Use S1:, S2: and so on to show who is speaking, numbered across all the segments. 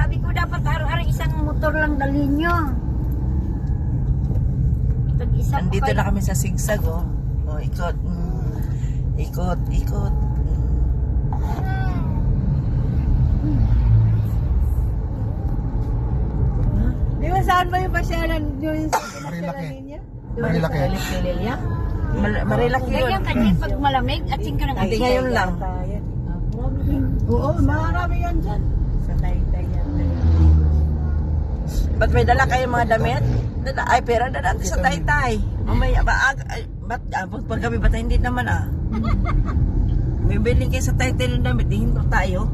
S1: Sabi ko dapat araw-araw isang motor lang dalhin nyo. Tag-isa po
S2: Andito
S1: kayo.
S2: na kami sa sigsag, oh. Oh, ikot. Ikot, ikot.
S3: Di ba saan ba yung pasyalan yung
S4: Marilaki.
S3: niya?
S4: Marilaki.
S2: Pililya? Marilaki yun.
S1: Ganyan kasi pag malamig at singka ng
S2: Hindi ngayon lang.
S3: Oo, marami yan dyan.
S1: Sa Taytay yan.
S2: Ba't may dala kayo mga damit? Ay, pera na natin sa Taytay. Mamaya, ba't pag kami bata, hindi naman May bilhin kayo sa Taytay ng damit, di hinto tayo.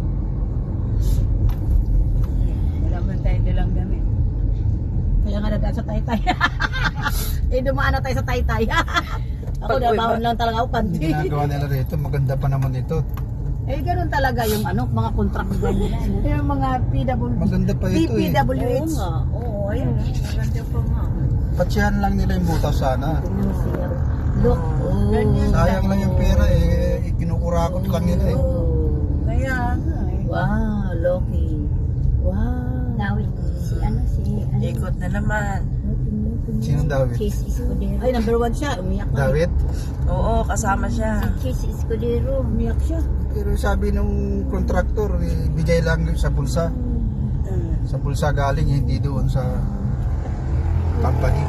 S3: Wala man tayo nilang gamit. Kaya nga nadaan sa Taytay. Dumaan na tayo sa Taytay. Ako
S2: Pag-
S3: nabaon lang talaga ako panty.
S4: Ginagawa nila rito, maganda pa naman ito.
S3: Ganun talaga yung mga contract nila. Yung mga PW.
S4: Maganda pa ito eh.
S3: DPWH.
S1: Oo, ayun. Maganda pa nga.
S4: Patsihan lang nila yung butas sana.
S3: Look.
S4: Sayang lang yung pera eh. Kinukurakot lang nila eh.
S3: Kaya nga eh.
S2: Wow, Loki. Wow.
S1: Dawit. Si
S2: Ikot na naman.
S4: Sino David?
S1: Chase Escudero.
S3: Ay, number 1 siya. Umiyak na.
S4: David?
S2: Oo, kasama siya.
S1: Chase Escudero.
S3: Umiyak siya.
S4: Pero sabi nung kontraktor, bigay lang sa bulsa. Sa bulsa galing, hindi doon sa company.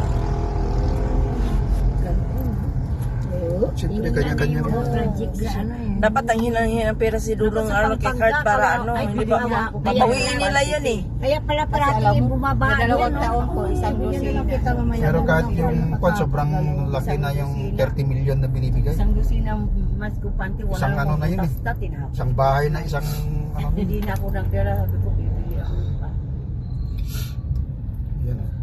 S4: Siyempre, kanya-kanya.
S1: Project sa ano eh.
S2: Dapat ang hinang pera si Dulong kay Card para hindi ba papawiin nila yan eh.
S1: Kaya pala parati bumaba.
S3: Dalawang taon ko, isang dosina.
S4: Pero kahit yung sobrang laki na yung 30 million na binibigay.
S3: Isang dosina mas kupante. Wala
S4: Isang ano na yun eh.
S3: basta tinapos.
S4: Isang bahay na isang ano.
S3: Hindi na ako nagdala. Sabi ko, bibili ako pa.
S4: Yan o.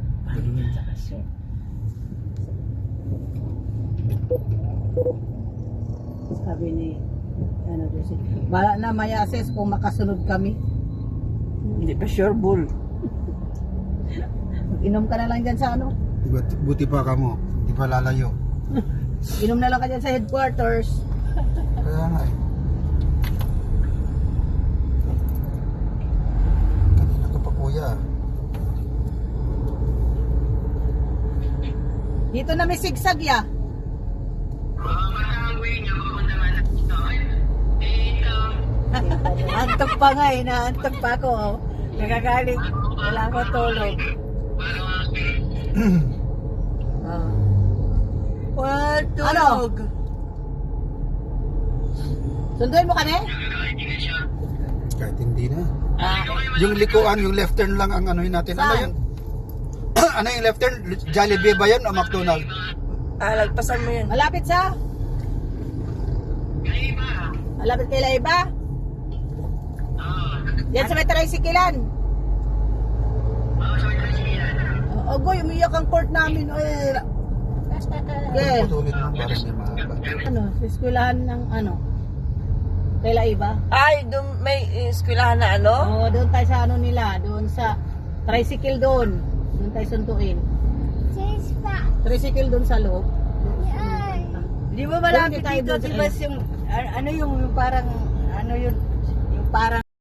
S3: Sabi ni Jose, bala na may assess kung makasunod kami.
S2: Hindi pa sure bull.
S3: Inom ka na lang dyan sa ano.
S4: Buti pa ka mo. Hindi pa lalayo.
S3: Inom na lang ka dyan sa headquarters.
S4: Kaya nga eh. Kanina ka pa kuya.
S3: Dito na may sigsag ya. Antok pa nga eh, naantok pa ako. Oh. Nagagaling, wala ako tulog.
S2: Tulog.
S3: Sunduin mo kami?
S4: Kahit hindi na. Yung likuan, yung left turn lang ang anuhin natin. Ano
S3: Saan?
S4: yun? Ano yung left turn? Jollibee ba yun o McDonald?
S2: Lagpasan mo yun.
S3: Malapit sa? Malapit kay Laiba? Yan sa may tricyclean. Goy, umiyak ang court namin. Okay.
S4: Putulin mo para hindi mahaba.
S3: Ano, sa eskwelahan ng ano? Kay Laiba?
S2: Ay, doon may eskwelahan na ano?
S3: Oo, doon tayo sa ano nila, doon sa tricycle doon. Doon tayo suntuin. Tricycle doon sa loob.
S2: Di ba
S3: malapit dito, di ba,
S2: yung, ano yung parang, ano yun, yung parang